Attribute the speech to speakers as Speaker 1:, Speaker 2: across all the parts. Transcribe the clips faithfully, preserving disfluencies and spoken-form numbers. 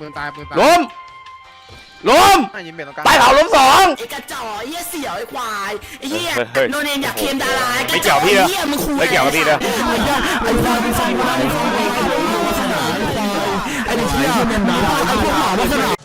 Speaker 1: ปืนตายปืนตาย
Speaker 2: ล้มล้มตายเขาล้มสอง
Speaker 3: ไอ้กระจอกไอ้เหี้ยเสี่ยวไอ้ควายไอ้เหี้ยโนเนมอยากเคมดารา
Speaker 2: ไม่เกี่ยวพี่นะไม่เกี่ยวกับพี่นะ
Speaker 3: ไอ้ควายเป็นไฟไอ้ควายไอ้เหี้ยเป็นดาราไอ้พวกหมาลักษณะ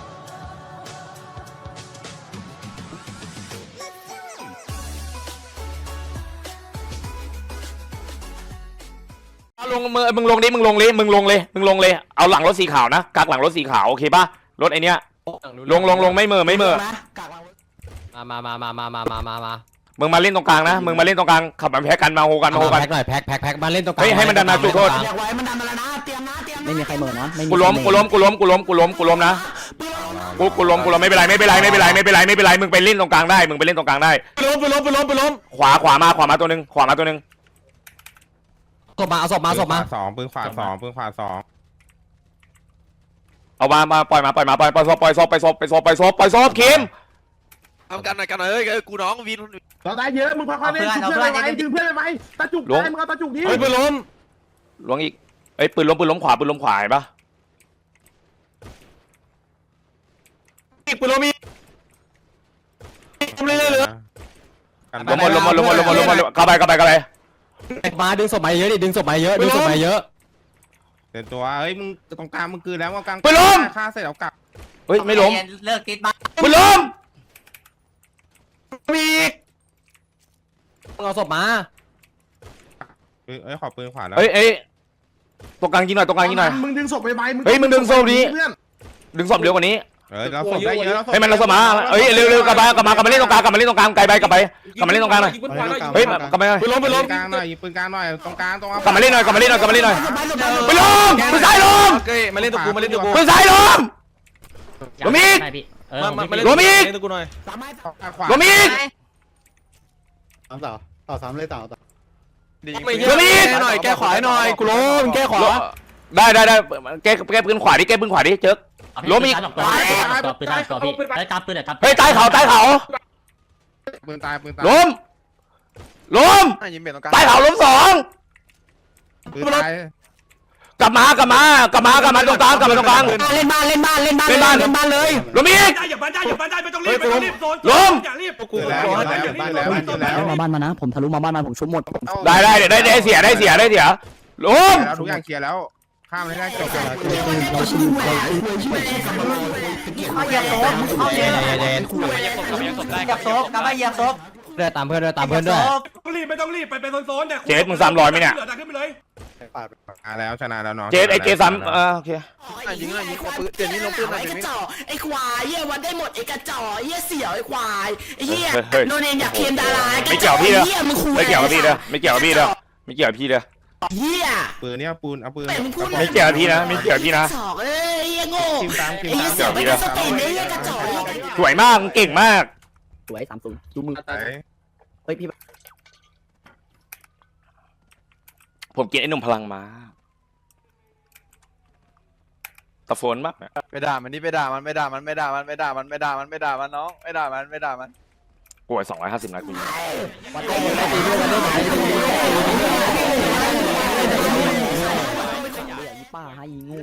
Speaker 2: ลงมึงมึงลงดิมึงลงเลยมึงลงเลยมึงลงเลยเอาหลังรถสีขาวนะกักหลังรถสีขาวโอเคป่ะรถไอเนี้ยลงลงลงไม่เมื่อไม่เมื่อ
Speaker 4: มามามามามามามามา
Speaker 2: มึงมาเล่นตรงกลางนะมึงมาเล่นตรงกลางขับมาแพ็กกันมาโฮกันมาโฮกัน
Speaker 4: แพ็กหน่อยแพ็กแพ็กแพ็กมาเล่นตรงกลาง
Speaker 2: ให้มันดันมาจุดโทษ
Speaker 3: ไม่มีใครเหมือนนะ
Speaker 2: กูล้มกูล้มกูล้มกูล้มกูล้มกูล้มนะกูกูล้มกูล้มไม่เป็นไรไม่เป็นไรไม่เป็นไรไม่เป็นไรไม่เป็นไรมึงไปเล่นตรงกลางได้มึงไปเล่นตรงกลางได้
Speaker 4: ล้มไปล้มไปล้มไปล้ม
Speaker 2: ขวาขวามาขวามาตัวนึงขวามาตัวนึง
Speaker 4: ศพมาเอาศพมาศพมา
Speaker 1: สองปืนขวาสองปืนขวาสอง
Speaker 2: เอามามาปล่อยมาปล่อยมาปล่อยปล่อยศพปล่อยศพปล่อยศพปล่อยศพปล่อยศพปล่อยศพคิม
Speaker 5: ทำกันหน่อยกันหน่อยเฮ้ยกูน้องวิน
Speaker 1: เราได้เยอะมึงพักๆเล่นดึงเพื่อนไปดึงเพื่อนไปตาจุกได้มึงเอาตาจุกดิ
Speaker 2: เฮ้ยปืนล้มล้มอีกเอ้ยปืนล้มปืนล้มขวาปืนล้มขวาเห็นปะ
Speaker 4: อีกปืนล้มอีกล้มเลยเลย
Speaker 2: ล้มหมดล้มหมดล้มหมดล้มหมดล้มหมดกลับไปกลับไปกลับไป
Speaker 4: มาดึงศพมาเยอะดิดึงศพมาเยอะดึงศพมาเยอะ
Speaker 1: เดี๋ยวตัวเฮ้ยมึงตรงกลางมึงคืนแล้วกลาง
Speaker 2: ปืนล้ม
Speaker 1: ฆ่าเสร็จเอากลับ
Speaker 2: เฮ้ยไม่ล้ม
Speaker 3: เลิกติดบ้า
Speaker 2: ปืนล้ม
Speaker 4: มีเอาศพมา
Speaker 1: เอ้ยขอปืนขวาแล้ว
Speaker 2: เฮ้ยเอ้ยตรงกลางยิงหน่อยตรงกลางยิงหน่อย
Speaker 1: มึงดึงศพไปไหม
Speaker 2: เฮ้ยมึงดึงศพดิดึงศพเร็วกว่านี้
Speaker 1: เออเราศพได้เยอะแล้ว
Speaker 2: ให้มันเราศพมาเฮ้ยเร็วเร็วกลับมากลับมากลับมาเล่นตรงกลางกลับมาเล่นตรงกลางไกลไปกลับไปกลับมาเล่นตรงกลางหน่อยเฮ้ยกลับมา
Speaker 1: ปืนล้มปืนล้มกลางหน่อยปืนกลางหน่อยตรงกลางตรง
Speaker 2: กลับมาเล่นหน่อยกลับมาเล่นหน่อยกลับมาเล่นหน่อยปืนล้มปืนซ้ายล้ม
Speaker 4: มาเล่นตัวกูมาเล่นตัวกู
Speaker 2: ปืนซ้ายล้มล้มอีกล้มอีก
Speaker 4: ตัวกูหน่อย
Speaker 2: ล้มอีก
Speaker 6: สามต่อต่อสามเลยต่อต่อ
Speaker 2: ล้มอีก
Speaker 4: หน่อยแก้ขวาหน่อยกูล้มแก้ขวา
Speaker 2: ได้ได้ได้แก้แก้ปืนขวาดิแก้ปืนขวาดิเจ๊กล้มอีก
Speaker 7: ปืนตายตัวพี่ไอ้ตามปืนเลยครับ
Speaker 2: เฮ้ยใต้เขาใต้เขา
Speaker 1: ปืนตายปืนตาย
Speaker 2: ล้มล้มใต้เขาล้มสอง
Speaker 1: ปืนตาย
Speaker 2: กลับมากลับมากลับมากลับมาตรงกลางกลับมาตรงกลาง
Speaker 3: เล่นบ้านเล่นบ้านเล่นบ้านเล่นบ้านเล่นบ้านเลย
Speaker 2: ล้มอีก
Speaker 5: อย่าบ้านได้อย่าบ้านได้ไม่ต้องรีบไม่ต้องรีบโซน
Speaker 2: ล้ม
Speaker 5: อย่ารีบ
Speaker 1: กูแล้วแล้วแล้ว
Speaker 3: มาบ้านมานะผมทะลุมาบ้านมาผมชุบหมด
Speaker 2: ได้ได้ได้ได้เสียได้เสียได้เสียล้ม
Speaker 1: แล้วทุกอย่างเคลียร์แล้วข้ามเลยได้จบแล้ว
Speaker 3: เอาเหยียบโต๊ะเอาเหยียบเหยียบโต๊ะกลับมาเหยียบโต๊ะ
Speaker 4: เดินตามเพื่อนเดินตามเพื่อนด้วย
Speaker 5: ต้องรีบไม่ต้องรีบไปเป็นโซนๆเนี่ย
Speaker 2: เจสมึงสามร้อยไหมเนี่ย
Speaker 5: ขึ้นไปเลย
Speaker 1: มาแล้วชนะแล้วน้อง
Speaker 2: เจสไอเจสามเออโอเค
Speaker 5: ยิงเลยยิงปืนเดี๋ยวนี้ลงปืนหน่อย
Speaker 3: ไอ้กระจอกไอ้ควายเหี้ยวันได้หมดไอ้กระจอกเหี้ยเสี่ยวไอ้ควายไอ้เหี้ยโนเนมอยากเคมดารา
Speaker 2: ไม่เกี่ยวพี่เลยไม่เกี่ยวกับพี่เลยไม่เกี่ยวกับพี่เลยไม่เกี่ยวกับพี่เลย
Speaker 3: เหี้ย
Speaker 1: ปืนเนี่ยปูนเอาปืน
Speaker 2: ไม่เกี่ยวกับพี่นะไม่เกี่ยวกับพี่นะ
Speaker 3: กระจอกเอ้ยเหี้ยโง่
Speaker 1: คิมตามคิมตาม
Speaker 3: เสี่ยวไปสตีนไอ้เหี้ยกระจอก
Speaker 2: สวยมากเก่งมาก
Speaker 3: สวยสามศูนย์ดูมือเฮ้ยพี่
Speaker 2: ผมกินไอ้หนุ่มพลังมาตะโฟนมาก
Speaker 5: ไปด่ามันนี่ไปด่ามันไม่ด่ามันไม่ด่ามันไม่ด่ามันไม่ด่ามันไม่ด่ามันน้องไม่ด่ามันไม่ด่ามัน
Speaker 2: ป่วยสองร้อยห้าสิบนัดคุณ
Speaker 3: ป้าให้งู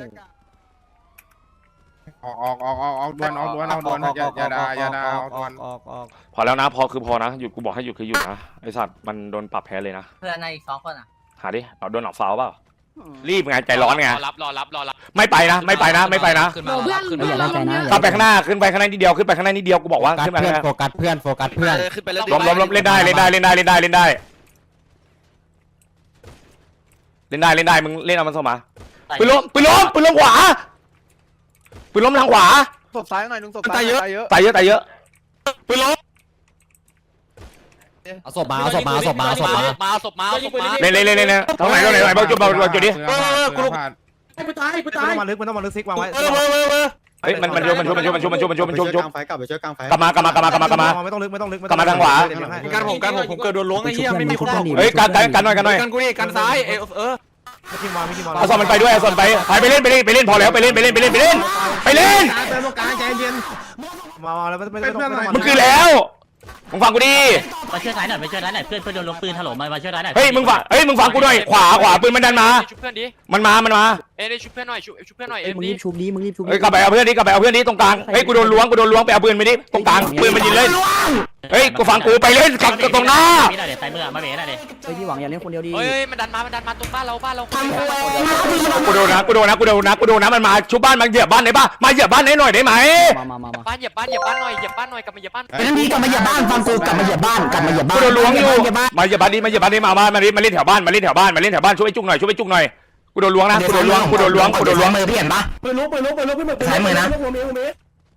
Speaker 1: ออกออกออกออกออกดวนออกดวนออกดวนอย่าอย่าด่าอย่าด่าออกดวน
Speaker 2: พอแล้วนะพอคือพอนะหยุดกูบอกให้หยุดคือหยุดนะไอสัตว์มันโดนปรับแพ้เลยนะ
Speaker 3: เพื่อนในอีกสองคนอ่ะ
Speaker 2: หาดิเราโดนหลอกฟาวเปล่ารีบไงใจร้อนไง
Speaker 4: รอรับรอรับรอรับ
Speaker 2: ไม่ไปนะไม่ไปนะไม่ไปนะ
Speaker 3: เพื่อนขึ้นอย่าได้ใจนะ
Speaker 2: ขึ้นไปข้างหน้าขึ้นไปข้างหน้านิดเดียวขึ้นไปข้างหน้านิดเดียวกูบอกว่าขึ้นไปข้างหน้า
Speaker 4: โฟกัสเพื่อนโฟกัสเพื่อน
Speaker 2: ล้มล้มล้มเล่นได้เล่นได้เล่นได้เล่นได้เล่นได้เล่นได้เล่นได้มึงเล่นเอามันเข้ามาปืนล้มปืนล้มปืนล้มขวาปืนล้มทางขวา
Speaker 5: ศพซ้ายหน่อยนึงศพตายเยอะ
Speaker 2: ตายเยอะตายเยอะ
Speaker 4: ปืนล้มเอาศพมาเอาศพมาเอาศพมาเอาศพมา
Speaker 5: มาศพมาศพมา
Speaker 2: เล่นเล่นเล่นเล่นตรงไหนตรงไหนไหนบ้างจุดบ้างจุดดิ
Speaker 1: เออกูรู้
Speaker 5: ไปตายไปตาย
Speaker 1: มันต้องมาลึกมันต้องมาลึกซิกวางไว้
Speaker 4: เออเออเออ
Speaker 2: เฮ้ยมันมันชุบมันชุบมันชุบมันชุบมันชุบมันชุบมันชุบมันชุบ
Speaker 6: ไฟกลับไปช่วยกลางไฟ
Speaker 2: กลับมากลับมากลับมากลับมากลับมา
Speaker 1: ไม่ต้องลึกไม่ต้องลึก
Speaker 2: กลับมาทางขวา
Speaker 4: การผมการผมผมเกิดโดนล้วงไอ้เหี้ยไม่มีคนบอก
Speaker 2: เฮ้ยกันกันกันหน่อยกันหน่อย
Speaker 4: กันกูนี่กันซ้ายเออเออ
Speaker 2: เอาส่วนมันไปด้วยเอาส่วนไปไปเล่นไปเล่นไปเล่นพอแล้วไปเล่นไปเล่นไปเล่นไปเล่นไปเล่น
Speaker 1: เติมตรงกลางใจเย็นมาแล้วไม่ไม่ไม่ต้อง
Speaker 2: มันคือแล้วมึงฟังกูดิ
Speaker 7: มาช่วยท้ายหน่อยมาช่วยท้ายหน่อยเพื่อนเพื่อนโดนลงปืนถล่มมามาช่วยท้ายหน่อย
Speaker 2: เฮ้ยมึงฟังเฮ้ยมึงฟังกูหน่อยขวาขวาปืนมันดันมา
Speaker 8: ชุบเพื่อนดิ
Speaker 2: มันมามันมา
Speaker 8: เอ้ยชุบเพื่อนหน่อยชุบชุบเพื่อนหน่อยเอ็ม
Speaker 4: มึง
Speaker 8: ดิ
Speaker 4: รีบชุบดีมึงรีบชุบ
Speaker 2: เฮ้ยกลับไปเอาเพื่อนดิกลับไปเอาเพื่อนดิตรงกลางเฮ้ยกูโดนล้วงกูโดนล้วงไปเอาปืนไปดิตรงกลางปืนมันยิงเลยเฮ้ยกูฟังกูไปเล่นกับตรงหน้า
Speaker 7: ไม่ได้เดี๋ยวใส่เมื่อมาเบ๋หน่อยดิ
Speaker 4: เฮ้ยพี่หวังอย่าเล่นคนเดียวดี
Speaker 8: เฮ้ยมันดันมามันดันมาตรงบ้านเราบ้านเรา
Speaker 2: กูโดนนะกูโดนนะกูโดนนะกูโดนนะมันมาชุบบ้านมันเหยียบบ้านได้ป่ะมาเหยียบบ้านให้หน่อยได้ไหม
Speaker 4: มามามามา
Speaker 8: บ้านเหยียบบ้านเหยียบบ้านหน่อยเหยียบบ้านหน่อยกลับมาเหยียบบ้าน
Speaker 3: ไอ้นั่นนี่กลับมาเหยียบบ้านฟังกูกลับมาเหยียบบ้านกลับมาเหยียบบ้า
Speaker 2: กู
Speaker 3: น
Speaker 2: โดนล้วงอยู่
Speaker 3: เหยียบบ้าน
Speaker 2: มาเหยียบบ้านดิมาเหยียบบ้านดิมามามามาเล่นแถวบ้านมาเล่นแถวบ้านมาเล่นแถวบ้านช่วยไอ้จุกหน่อยช่วยไอ้จุกหน่อยกูโดนล้วงนะกูโดนล้วงกูโดนล้วงกูโดนล้วง
Speaker 3: มือพี่เห็นปะ
Speaker 1: ปืนลุกปืนลุกปืนลุกพี่หมึก
Speaker 3: สายมือนะ
Speaker 1: หัวเมียหัวเมีย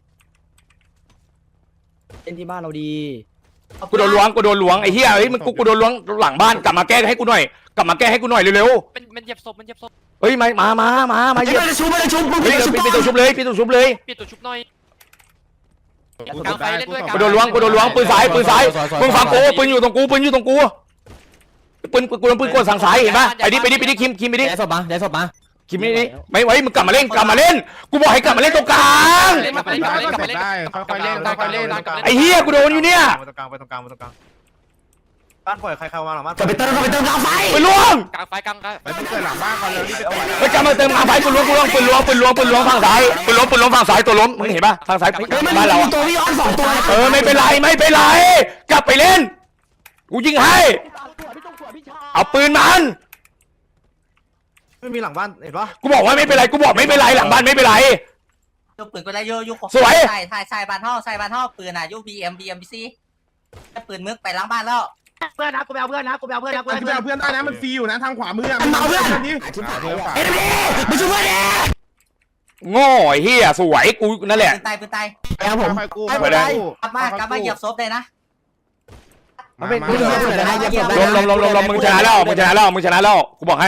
Speaker 4: เล่นที่บ้านเราดี
Speaker 2: กูโดนล้วงกูโดนล้วงไอ้เหี้ยเฮ้ยมึงกูกูโดนล้วงหลังบ้านกลับมาแก้ให้กูหน่อยกลับมาแก้ให้กูหน่อยเร็ว
Speaker 8: มันมันเหยียบศพมันเหยียบศพ
Speaker 2: ๆเฮ้ยมามามามามาเหยียบ
Speaker 3: ไม่ได้ชุบไม่ได้ชุบมึง
Speaker 2: เฮ้ย
Speaker 3: ไม่ได้ชุบ
Speaker 2: ปิดตัวชุบเลยปิดตัวชุบเลย
Speaker 8: ปิดตัวชุบหน่อยกลางไฟเล่นด้วย
Speaker 2: กูโดนล้วงกูโดนล้วงปืนซ้ายปืนซ้ายมึงฟังกูปืนอยู่ตรงกูปืนอยู่ตรงกูปืนกูโดนปืนกดสั่งซ้ายเห็นปะไปดิไปดิไปดิคิมคิมไปดิ
Speaker 4: ได้ศพมาได้ศพมา
Speaker 2: คิมนี่นี่ไม่ไว้มึงกลับมาเล่นกลับมาเล่นกูบอกให้กลับมาเล่นตรงกลาง
Speaker 8: เล่นกลับมาเล่นกลับมาเล่นกลับมาเล่น
Speaker 5: ได้ค่อยๆเล่นค่อยๆเล่น
Speaker 2: ไอ้เหี้ยกูโดนอยู่เนี่ย
Speaker 5: ไปตรงกลางไปตรงกลางไปตรงกลางบ้านปล่อยใครเข้ามาหลังบ้าน
Speaker 3: กลับไปเติมกลับไปเติมกลางไฟ
Speaker 2: ปืนล้วง
Speaker 8: กลางไฟกลางไฟ
Speaker 5: ไปเกิดหลังบ้านก่อนเลยรีบไป
Speaker 2: ไปกลับมาเติมมาไปปืนล้วงปืนล้วงปืนล้วงปืนล้วงปืนล้วงฝั่งซ้ายปืนล้วงปืนล้วงฝั่งซ้ายตัวล้มมึงเห็นปะฝั่งซ้ายบ้านเรา
Speaker 3: ตัวพี่ออนสองตัว
Speaker 2: เออไม่เป็นไรไม่เป็นไรกลับไปเล่นกูยิงให้เอาปืนมัน
Speaker 5: ไม่มีหลังบ้านเห็นปะ
Speaker 2: กูบอกว่าไม่เป็นไรกูบอกไม่เป็นไรหลังบ้านไม่เป็นไร
Speaker 9: ยุปืนก็ได้ยุยุ
Speaker 2: สวย
Speaker 9: ใส่ใส่ใส่บานท่อใส่บานท่อปืนอ่ะยุบีเอ็มบีเอ็มบีซีปืนมึกไปล้างบ้านแล้ว
Speaker 1: เพื่อนนะกูไปเอาเพื่อนนะกูไปเอาเพื่อนนะกูไปเอาเพื่อนได้นะมันฟรีอยู่นะทางขวามืออะ
Speaker 3: มันเมาเพื่อน
Speaker 1: นี่
Speaker 3: เอ็นบีมาช่วยเพื่อนดิ
Speaker 2: โง่ไอ้เหี้ยสวยกูนั่นแหละ
Speaker 9: ปืนตายปืนตาย
Speaker 3: ครับผม
Speaker 5: ค่อยๆกู้
Speaker 2: ไปได้
Speaker 9: กลับมากลับมาเหยียบศพเลยนะ
Speaker 5: มา
Speaker 3: ไม่
Speaker 5: มา
Speaker 3: ไม่เหยียบเลยนะเหยียบเลย
Speaker 2: ลมลมลมลมลมมึงชนะแล้วมึงชนะแล้วมึงชนะแล้วกูบอกให้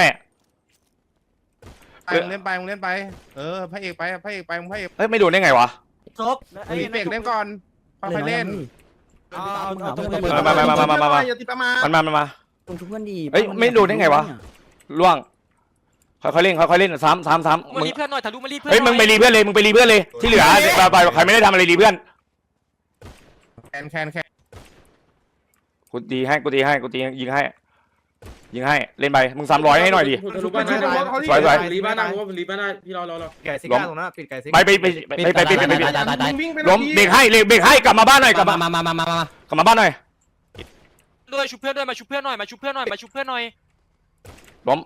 Speaker 5: ไปมึงเล่นไปมึงเล่นไปเออพระเอกไปพระเอกไปมึงพระเอก
Speaker 2: เฮ้ยไม่โดนได้ไงวะ
Speaker 9: ศพ
Speaker 5: มีเบรกเล่นก่อนค่อยๆเล่น
Speaker 2: มามามามามามามา
Speaker 1: อย่าติดประมาณ
Speaker 2: มันมามันมา
Speaker 4: ตรงทุกเพื่อนดี
Speaker 2: เฮ้ยไม่โดนได้ไงวะ ล่วงค่อยๆเล่นค่อยๆเล่นซ้ำซ้ำซ้ำ
Speaker 8: มา
Speaker 2: มึง
Speaker 8: รีเพื่อนหน่อยทะลุมารีเพื่อน
Speaker 2: เฮ้ยมึงไปรีเพื่อนเลยมึงไปรีเพื่อนเลยที่เหลือไปไปใครไม่ได้ทำอะไรรีเพื่อน
Speaker 5: แคนแคนแคน
Speaker 2: กูตีให้กูตีให้กูตียิงให้ยิงให้เล่นไปมึงซ้ำร้อยให้หน่อยดิ
Speaker 1: ชุบไปชุบไปชุบเขาดิ
Speaker 2: สวยสวย
Speaker 1: รีบ้านได้ผมรีบ้านได้พี่รอรอรอ
Speaker 5: ไก่ซิก้าตรงนั้นปิดไก่ซิ
Speaker 2: ไปไปไปไปไปไปไปไป
Speaker 4: ตายตายตาย
Speaker 1: วิ่งไป
Speaker 2: ล้มเบรกให้เบรกให้กลับมาบ้านหน่อยกลับ
Speaker 4: มา
Speaker 2: มา
Speaker 4: มามามามามา
Speaker 2: กลับมาบ้านหน่อย
Speaker 8: ด้วยชุบเพื่อนด้วยมาชุบเพื่อนหน่อยมาชุบเพื่อนหน่อยมาชุบเพื่อนหน่อย
Speaker 2: ล้ม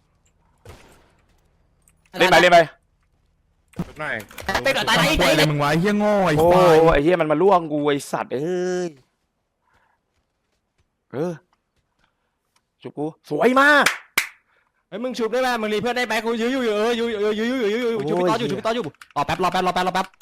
Speaker 2: เล่นไปเล่นไป
Speaker 5: หน่อย
Speaker 3: ไปต่อตายตาย
Speaker 6: อะไรมึงวะเฮี้ยโง่ไอ้
Speaker 2: โอ้
Speaker 6: ควาย
Speaker 2: ไอ้เหี้ยมันมาล่วงกูไอ้สัตว์เอ้ยเออจุกกูสวยมาก
Speaker 4: เฮ้ยมึงชุบได้ไหมมึงรีเพื่อนได้ไหมกูยื้ออยู่เออยื้อยื้อยื้อยื้อยื้อยื้อชุบพี่ต้ออยู่ชุบพี่ต้ออยู่รอแป๊บรอแป๊บรอแป๊บรอแป๊บ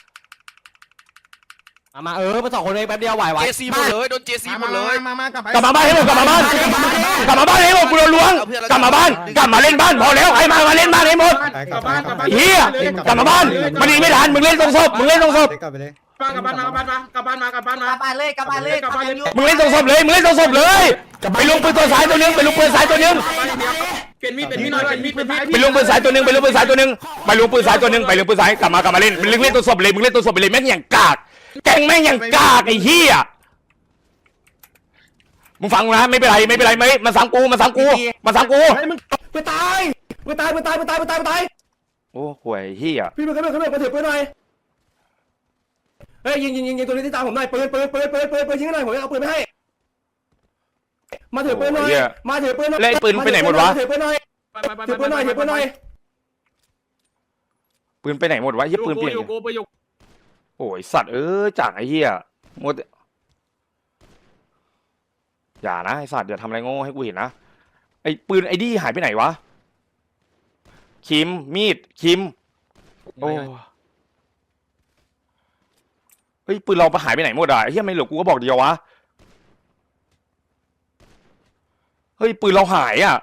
Speaker 4: มามาเออมาสองคนเองแป๊บเดียวไหวไหว
Speaker 8: เจซีหมดเลยโดนเจซีหมดเลย
Speaker 1: มามากลับไป
Speaker 2: กลับมาบ้านให้หมดกลับมาบ้านกลับมาบ้านให้หมดกูโดนล้วงกลับมาบ้านกลับมาเล่นบ้านพอแล้วใครมามาเล่นบ้านให้หมด
Speaker 1: กลับบ้านกลับบ้าน
Speaker 2: เฮียกลับมาบ้านมันหนีไม่ทันมึงเล่นตรงศพมึงเล่นตรงศพ
Speaker 6: กลับไปเลย
Speaker 1: กลับบ้านมากลับบ้านมากลับบ้านมากลับบ้าน
Speaker 9: ก
Speaker 1: มา
Speaker 9: ลับบ้านเลยกลับบ้านเลยกลับบ้านเลย
Speaker 2: มึงเล่นตรงศพเลยมึงเล่นตรงศพเลยไปลุงปืนตัวซ้ายตัวนึงไปลุงปืนซ้ายตัวนึง
Speaker 1: เปลี่ยนมีดเปลี่ยนมีดหน่อยเปลี่ยนมีดเปลี่ยนมีด
Speaker 2: ไปลุงปืนซ้ายตัวนึงไปลุงปืนซ้ายตัวนึงไปลุงปืนซ้ายตัวนึงไปลุงปืนซ้ายกลับมากลับมาเล่นมึงเล่นตรงศพเลยมึงเล่นตรงศพไปเลยแม่งอย่างกากแกงแม่งอย่างกากไอ้เหี้ยมึงฟังนะไม่เป็นไรไม่เป็นไรไม่มาซ้ำกูมาซ้ำกูมาซ้ำกู
Speaker 1: เฮ้ยมึง
Speaker 3: ไปตายไปตายไปตายไปตายไปตายไปตาย
Speaker 2: โอ้ห่วยเหี้ย
Speaker 3: พี่มึงขึ้นมาขึ้นมาถือปืนหน่อยเฮ้ยยิงยิงยิงยิงตัวนี้ที่ตามผมหน่อยปืนปืนปืนปืนปืนปืนยิงหน่อยผมจะเอาปืนไปให้มาถือปืนหน่อยมาถือปืนหน่อยถือปืนหน่อยถือปืนหน่อยถือปืนหน่อยถือปืนหน่อย
Speaker 2: ปืนไปไหนหมดวะเหี้ยปืนเปลี่ยนโอ้ยสัตว์เอ้ยจากไอ้เหี้ยหมดอย่านะไอ้สัตว์อย่าทำอะไรโง่ให้กูเห็นนะไอ้ปืนไอ้ดี้หายไปไหนวะคิมมีดคิมโอ้เฮ้ยปืนเราไปหายไปไหนหมดอ่ะไอ้เหี้ยไม่เหลือกูก็บอกเดียววะเฮ้ยปืนเราหายอ่ะ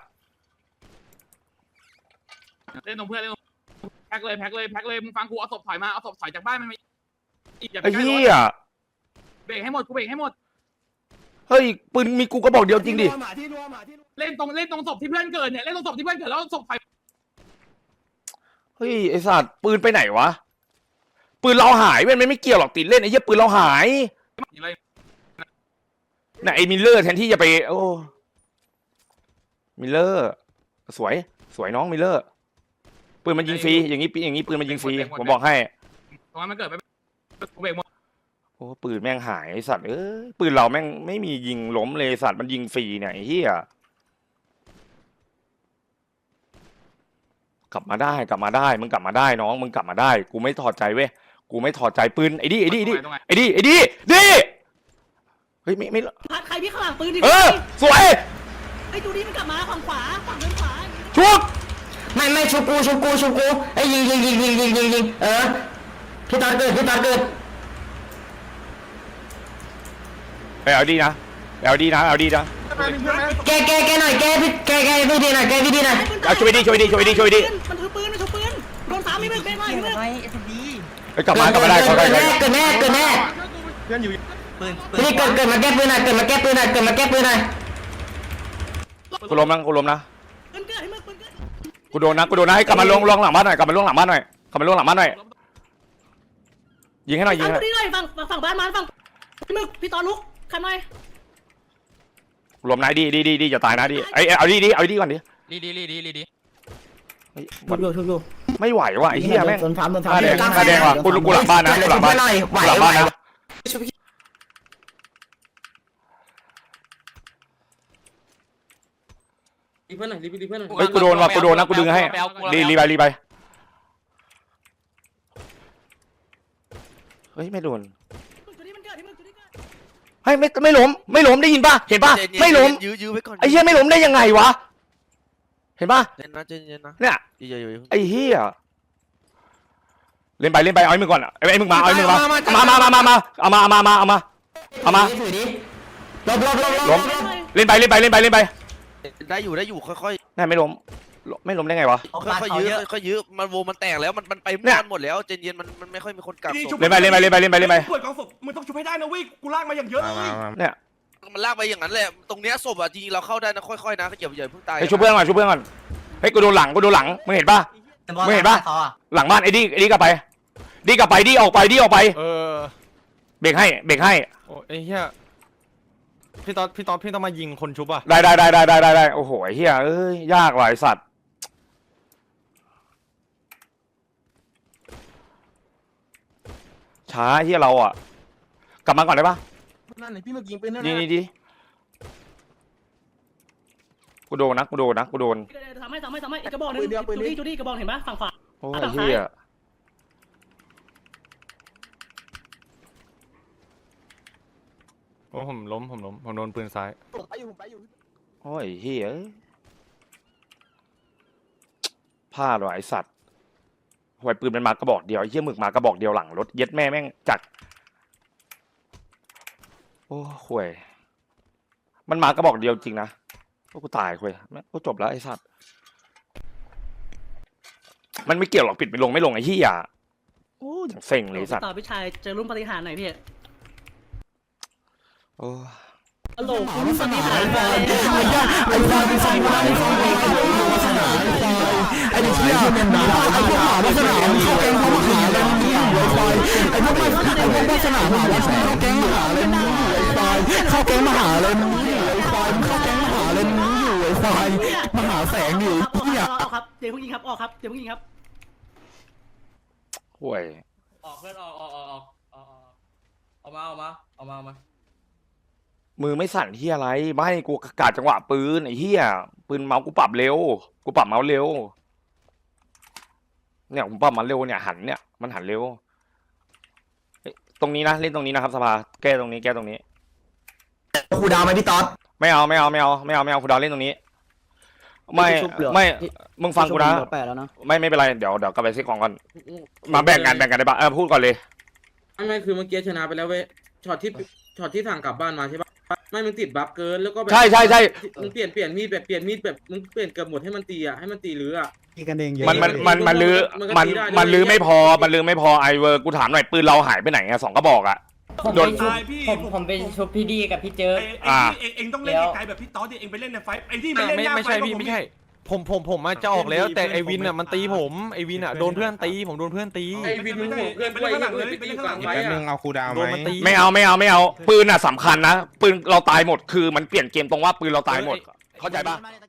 Speaker 1: เล่นตรงเพื่อนเล่นแพ็คเลยแพ็คเลยแพ็คเลยมึงฟังกูเอาศพถอยมาเอาศพถอยจากบ้านมันไม่อย่าไป
Speaker 2: ไอ้
Speaker 1: ใกล้ร
Speaker 2: เหี้
Speaker 1: ถ
Speaker 2: ย
Speaker 1: เบรกให้หมดกูเบรกให้หมด
Speaker 2: เฮ้ยปืนมีกูก็บอกเดียวจริงดิ
Speaker 1: เล่นตรงเล่นตรงศพที่เพื่อนเกิดเนี่ยเล่นตรงศพที่เพื่อนเกิดแล้วศพถอย
Speaker 2: เฮ้ยไอ้สัตว์ปืนไปไหนวะปืนเราหายเว้ยมันไม่เกี่ยวหรอกติดเล่นไอ้เหี้ยปืนเราหายน่ะไอ้มิลเลอร์แทนที่จะไปโอ้มิลเลอร์สวยสวยน้องมิลเลอร์ปืนมันยิงฟรีอย่างนี้อย่างนี้ปืนมันยิงฟรีผมบอกให้
Speaker 1: ตรงนั้นมันเกิดไปเบรกหมด
Speaker 2: โอ้ปืนแม่งหายไอ้สัตว์เอ้ยปืนเราแม่งไม่มียิงล้มเลยสัตว์มันยิงฟรีเนี่ยไอ้เหี้ยกลับมาได้กลับมาได้มึงกลับมาได้น้องมึงกลับมาได้กูไม่ถอดใจเว้ยกูไม่ถอดใจปืนไอ้ดิไอ้ดิไอ้ดิไอ้ดิไอ้ดิดิเฮ้ยไม่ไม่
Speaker 10: พัดใครพี่ข้างหลังปืนดิ
Speaker 2: เออสวย
Speaker 10: ไอ้จูดี้มันกลับมาฝั่งขวาฝั่งเดินขวา
Speaker 2: ชุบ
Speaker 9: ไม่ไม่ชุบกูชุบกูชุบกูไอ้ยิงยิงยิงยิงยิงยิงยิงเออพี่ตอนเกิดพี่ตอนเกิด
Speaker 2: ไปเอาดีนะไปเอาดีนะเอาดีนะ
Speaker 9: แกแกแกหน่อยแกพี่แกแกพี่ดีหน่อยแกพี่ดีหน่อย
Speaker 2: เอาช่วยดีช่วยดีช่วยดีช่วยดี
Speaker 10: มันถือปืนมันถือปืนโดนสามไม่เป็นไม่ไม่ไม่
Speaker 2: ไปกลับมากลับมาได้กลับมาได้
Speaker 9: เกิดแน่เกิดแน่
Speaker 3: เพื่อนอยู่
Speaker 9: พี่เกิดเกิดมาแก้ปืนหน่อยเกิดมาแก้ปืนหน่อยเกิดมาแก้ปืนหน่อย
Speaker 2: กูล้มนะกูล้มนะ
Speaker 10: ปืนเกิดให้มึงปืนเกิด
Speaker 2: กูโดนนะกูโดนนะให้กลับมาลงลงหลังบ้านหน่อยกลับมาลงหลังบ้านหน่อยกลับมาลงหลังบ้านหน่อยยิงให้หน่อยยิง
Speaker 10: ฝั่ง
Speaker 2: ให้
Speaker 10: จูดี้หน่อยฝั่งฝั่งบ้านมันฝั่งพี่มึกพี่ตอนลุกขันหน่อย
Speaker 2: รวมนายดีดีดีดีอย่าตายนะดีไอ้เอาดีดีเอาดีก่อนดิ
Speaker 8: ลีดีลีดีลีดี
Speaker 3: ชุบอยู่ชุบอยู่
Speaker 2: ไม่ไหวว่ะไอ้เหี้ยแม่ง
Speaker 3: โดนฟาร์มโดนฟา
Speaker 2: ตา
Speaker 3: ร์ม
Speaker 2: แดงตาแดงว่ะกูกูหลังบ้านนะกูหลังบ้าน
Speaker 9: หน่อยไหว
Speaker 2: หลัง
Speaker 9: ไหว
Speaker 2: บ้านนะ
Speaker 8: รีเพื่อนหน่อยรีรีเพื่อนหน่อย
Speaker 2: เฮ้ยกูโดนว่ะกูโดนนะกูดึงให้รีรีไปรีไปเฮ้ยไม่โดน
Speaker 10: จูดี้มันเกิดพี่มึกจูดี้เกิด
Speaker 2: เฮ้ยไม่ไม่ล้มไม่ล้มได้ยินป่ะเห็นป่ะไม่ล้ม
Speaker 5: ยื้อยื้อไว้ก่อน
Speaker 2: ไอ้เหี้ยไม่ล้มได้ยังไงวะเห็นป่ะ
Speaker 5: เย็นนะเย็นเย็นนะ
Speaker 2: เนี่ย
Speaker 5: อย่าอย่าอย่า
Speaker 2: ไอ้เหี้ยเล่นไปเล่นไปเอาไอ้มึงก่อนไอ้ไอ้มึงมาเอาไอ้มึงมามามามามามาเอามาเอามาเอามาเอามา
Speaker 9: ถือดิลบลบลบ
Speaker 2: ล้มเล่นไปเล่นไปเล่นไปเล่นไป
Speaker 5: ได้อยู่ได้อยู่ค่อย
Speaker 2: น่าไม่ล้มไม่ล้มได้ไงวะ
Speaker 5: ๆค่อยๆยื้อค่อยๆยื้อมันโวมันแตกแล้วมันมันไป
Speaker 2: เนี่ย
Speaker 5: หมดแล้วเจนเย็นมันมันไม่ค่อยมีคนกักศพ
Speaker 2: เล่นไปเล่นไปเล่นไปเล่นไปเล่นไป
Speaker 3: ปวดกองศพมึงต้องชุบให้ได้นะเว้ยกูลากมาอย่างเยอะเลย
Speaker 2: เนี่ย
Speaker 5: มันลากไปอย่างนั้นแหละตรงเนี้ยศพอ่ะจริงๆเราเข้าได้นะค่อยๆนะอย่าอย่าเพิ่งตาย
Speaker 2: ไอ้ช่วยเพื่อนก่อนช่วยเพื่อนก่อนเฮ้ยกูโดนหลังกูโดนหลังมึงเห็นป่ะมึงเห็นป่ะหลังบ้านไอ้ดีไอ้ดีกลับไปดีกลับไปดีออกไปดีออกไป
Speaker 4: เออ
Speaker 2: เบรกให้เบรกให้
Speaker 4: โอ้ไอ้เหี้ยพี่ตอนพี่ตอนพี่ต้องมายิงคนชุบอ่ะ
Speaker 2: ได้ได้ได้ได้ได้ได้โอ้โหไอ้เหี้ยเอ้ยยากว่ะไอ้สัตว์ช้าเหี้ยเราอ่ะกลับมาก่อนได้ปะ
Speaker 3: นั่นเลยพี่มึกยิงปืนนั่น
Speaker 2: นี่นี่ดิกูโดนนะกูโดนนะกูโดน
Speaker 10: ทำให้ทำให้ทำให้กระบอกนึงจูดี้จูดี้กระบอกเห็นปะฝั่งขวา
Speaker 2: โอ้ยไอ้เหี้ย
Speaker 4: โอ้ผมล้มผมล้มผมโดนปืนซ้าย
Speaker 3: ไปอยู่ไปอยู่
Speaker 2: โอ้ยเหี้ยเอ้ยพลาดว่ะไอ้สัตว์หวยปืนมันมากระบอกเดียวไอ้เหี้ยหมึกมากระบอกเดียวหลังรถเย็ดแม่แม่งจัดโอ้หวยมันมากระบอกเดียวจริงนะโอ้กูตายหวยแม่งกูจบแล้วไอ้สัตว์มันไม่เกี่ยวหรอกปิดไม่ลงไม่ลงไอ้เหี้ยโอ้อย่างเซ็งเลยไอ้สัตว์
Speaker 10: ต่อพี่ชายเจอรุ่นปฏิหารหน่อยพี่
Speaker 2: โอ้
Speaker 10: ฮัลโหลรุ่นปฏิหารเลย
Speaker 3: ไอ้ฟาร์มเป็นสายไอ้ฟาร์มเป็นสายไอ้เชี่ยเป็นดาวไอ้พวกหมาลักษณะเข้าแก๊งเขาหาเลยไอ้พวกไอ้พวกลักษณะหาลักษณะเข้าแก๊งมหาเลยไอ้ควายเข้าแก๊งมหาเลยไอ้ควายเข้าแก๊งมหาเลยอยู่ไอ้ควายมหาแสงอยู่
Speaker 10: ออก
Speaker 3: เนี่ย
Speaker 10: ครับเดี๋ยวพวกยิงครับออกครับเดี๋ยวพวกยิงครับ
Speaker 2: หวย
Speaker 8: ออกเพื่อนออกออกออกออกออกออกมาออกมาออกมาออกมา
Speaker 2: มือไม่สั่นเหี้ยอะไรไม่กูกาดจังหวะปืนไอ้เหี้ยปืนเมาส์กูปรับเร็วกูปรับเมาส์เร็วเนี่ยผมปรับมันเร็วเนี่ยหันเนี่ยมันหันเร็วเฮ้ยตรงนี้นะเล่นตรงนี้นะครับสภาแก้ตรงนี้แก้ตรงนี้
Speaker 9: ครูดาวไหมพี่ตอน
Speaker 2: ไม่เอาไม่เอาไม่เอาไม่เอาไม่เอาคุณดาวเล่นตรงนี้ ไม่ไม่มึงฟังกูนะ
Speaker 3: แปดแล้วนะ
Speaker 2: ไม่ไม่เป็นไรเดี๋ยวเดี๋ยวกลับไปเซ็ตของก่อนมาแบ่งกันแบ่งกันได้ปะเออพูดก่อนเลย
Speaker 8: ไม่ไม่คือเมื่อกี้ชนะไปแล้วเว้ยช็อตที่ช็อตที่สั่งกลับบ้านมาใช่ปะไม่มึงติดบัฟเกินแล้วก็แบบ
Speaker 2: ใช่ใช่ใช่
Speaker 8: มึงเปลี่ยนเปลี่ยนมีดแบบเปลี่ยนมีดแบบมึงเปลี่ยนเกือบหมดให้มันตีอ่ะให้มันตีหรืออ่ะ
Speaker 6: ตีกันเองเยอะ
Speaker 2: มันมันมันมันลือมันมันลือไม่พอมันลือไม่พอไอเวอร์กูถามหน่อยปืนเราหายไปไหนอะสองกระบอกอะโดน
Speaker 9: ผมผมไปชุบพี่ดีกับพี่เจอ
Speaker 2: อ่า
Speaker 3: เองเองต้องเล่นไกลแบบพี่ต๊อดดิเองไปเล่นในไฟไอ้ที่ไปเล่นหน้าไฟไม่ใช่พี่ไม่ใช่
Speaker 4: ผมผมผมมาจะออกแล้วแต่ไอวินอ่ะมันตีผมไอวินอ่ะโดนเพื่อนตีผมโดนเพื่อนตี
Speaker 8: ไอ้วินมึงห่วงเพื่อนด้วยยังอื่นไปตีกลางไฟ
Speaker 6: แป๊บนึ
Speaker 8: อ่ะ
Speaker 6: งเอาคูดาวไห
Speaker 4: โดน
Speaker 6: ม
Speaker 4: มันตี
Speaker 2: ไม่เอาไม่เอาไม่เอาปืนอ่ะสำคัญนะปืนเราตายหมดคือมันเปลี่ยนเกมตรงว่าปืนเราตายหมดเข้าใจปะ
Speaker 7: มาเลย